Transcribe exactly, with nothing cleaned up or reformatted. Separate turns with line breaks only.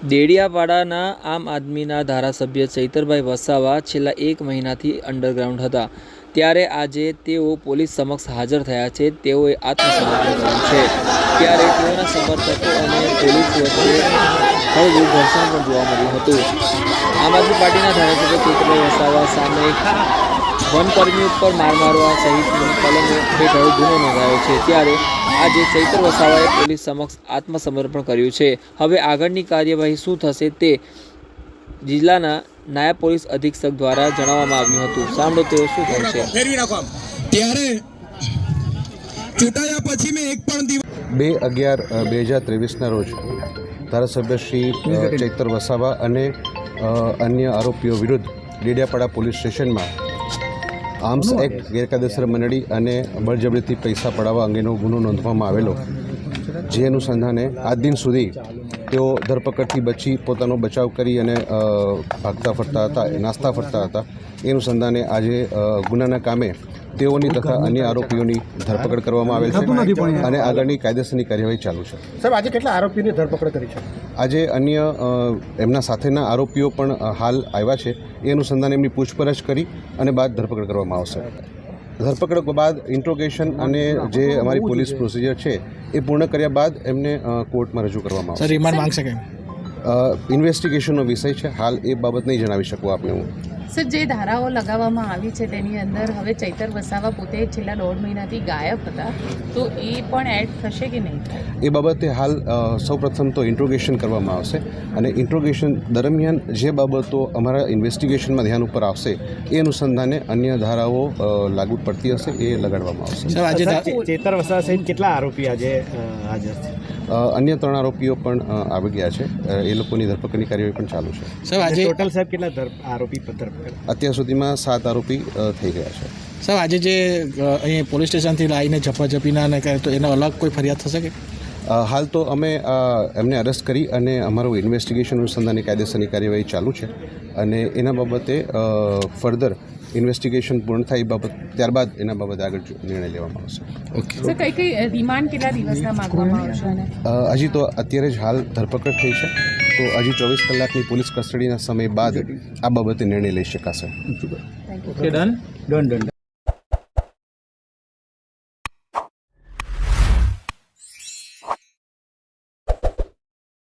દેડિયાપાડાના આમ આદમીના ધારાસભ્ય ચૈતરભાઈ વસાવા છેલ્લા એક મહિનાથી અંડરગ્રાઉન્ડ હતા, ત્યારે આજે તેઓ પોલીસ સમક્ષ હાજર થયા છે। તેઓએ આત્મસમર્પણ કર્યું છે, ત્યારે તેઓના સમર્થકો અને પોલીસ વચ્ચે હળવું ઘર્ષણ પણ જોવા મળ્યું હતું। આમ આદમી પાર્ટીના ધારાસભ્ય ચૈતરભાઈ વસાવા સામે વનકર્મી ઉપર માર મારવા સહિતની કલમો હેઠળ ગુનો નોંધાયો છે, ત્યારે આજે ચૈતર વસાવાએ પોલીસ સમક્ષ આત્મસમર્પણ કર્યું છે। હવે આગળની કાર્યવાહી શું થશે તે જિલ્લાના નાયબ પોલીસ અધિક્ષક દ્વારા જણાવવામાં આવ્યું હતું। સાંભળો તેઓ શું કહે છે।
ત્યારે ચૂંટાયા પછી મેં એક પણ દિવસ
બે અગિયાર બે હજાર ત્રેવીસના રોજ ધારાસભ્ય શ્રી ચૈતર વસાવા અને અન્ય આરોપીઓ વિરુદ્ધ ડેડિયાપાડા પોલીસ સ્ટેશનમાં આર્મ્સ એક્ટ ગેરકાયદેસર મંડળી અને બળજબરીથી પૈસા પડાવવા અંગેનો ગુનો નોંધવામાં આવેલો, જે અનુસંધાને આજ દિન સુધી તેઓ ધરપકડથી બચી પોતાનો બચાવ કરી અને ભાગતા ફરતા હતા, નાસ્તા ફરતા હતા। એ અનુસંધાને આજે ગુનાના કામે તેઓની તથા અન્ય આરોપીઓની ધરપકડ કરવામાં આવેલ છે અને આગળની કાયદેસરની કાર્યવાહી ચાલુ છે।
સાહેબ, આજે કેટલા આરોપીઓની ધરપકડ કરી છે?
આજે અન્ય એમના સાથેના આરોપીઓ પણ હાલ આવ્યા છે। એ અનુસંધાને એમની પૂછપરછ કરી અને બાદ ધરપકડ કરવામાં આવશે। ધરપકડ બાદ ઇન્ટ્રોગેશન અને જે અમારી પોલીસ પ્રોસિજર છે એ પૂર્ણ કર્યા બાદ એમને કોર્ટમાં રજૂ કરવામાં આવશે।
રિમાન્ડ માંગશે કેમ?
ઇન્વેસ્ટિગેશનનો વિષય છે, હાલ એ બાબત નહીં જણાવી શકું આપને હું।
સર, જે ધારાઓ લગાવવામાં આવી છે તેની અંદર હવે ચૈતર વસાવા પોતે છેલ્લા દોઢ મહિનાથી ગાયબ હતા, તો એ પણ એડ થશે કે નહીં?
એ બાબતે હાલ સૌપ્રથમ તો ઇન્ટ્રોગેશન કરવામાં આવશે અને ઇન્ટ્રોગેશન દરમિયાન જે બાબતો અમારા ઇન્વેસ્ટિગેશનમાં ધ્યાન ઉપર આવશે એ અનુસંધાને અન્ય ધારાઓ લાગુ પડતી હશે એ લગાડવામાં આવશે।
સર, આજે ચૈતર વસાવા સહિત કેટલા આરોપી આજે હાજર છે?
અન્ય ત્રણ આરોપીઓ પણ આવી ગયા છે, એ લોકોની ધરપકડની કાર્યવાહી પણ ચાલુ છે।
સર, આજે ટોટલ સાહેબ કેટલા આરોપી ધરપકડ?
અત્યાર સુધીમાં સાત આરોપી થઈ ગયા છે।
સાહેબ, આજે જે અહીં પોલીસ સ્ટેશનથી લાવીને ઝપાઝપીના ને કહે તો એનો અલગ કોઈ ફરિયાદ થશે કે?
હાલ તો અમે એમને અરેસ્ટ કરી અને અમારું ઇન્વેસ્ટિગેશન અનુસંધાનની કાયદેસરની કાર્યવાહી ચાલુ છે અને એના બાબતે ફર્ધર ઇન્વેસ્ટિગેશન પૂર્ણ થાય એ બાબત ત્યારબાદ એના બાબતે આગળ નિર્ણય લેવામાં આવશે।
ઓકે સર, કઈ કઈ રિમાન્ડ કેટલા દિવસના માંગવામાં આવશે?
હજી તો અત્યારે જ હાલ ધરપકડ થઈ છે, તો હજી ચોવીસ કલાકની પોલીસ કસ્ટડીના સમય બાદ આ બાબતે નિર્ણય લઈ શકાશે।
Done done done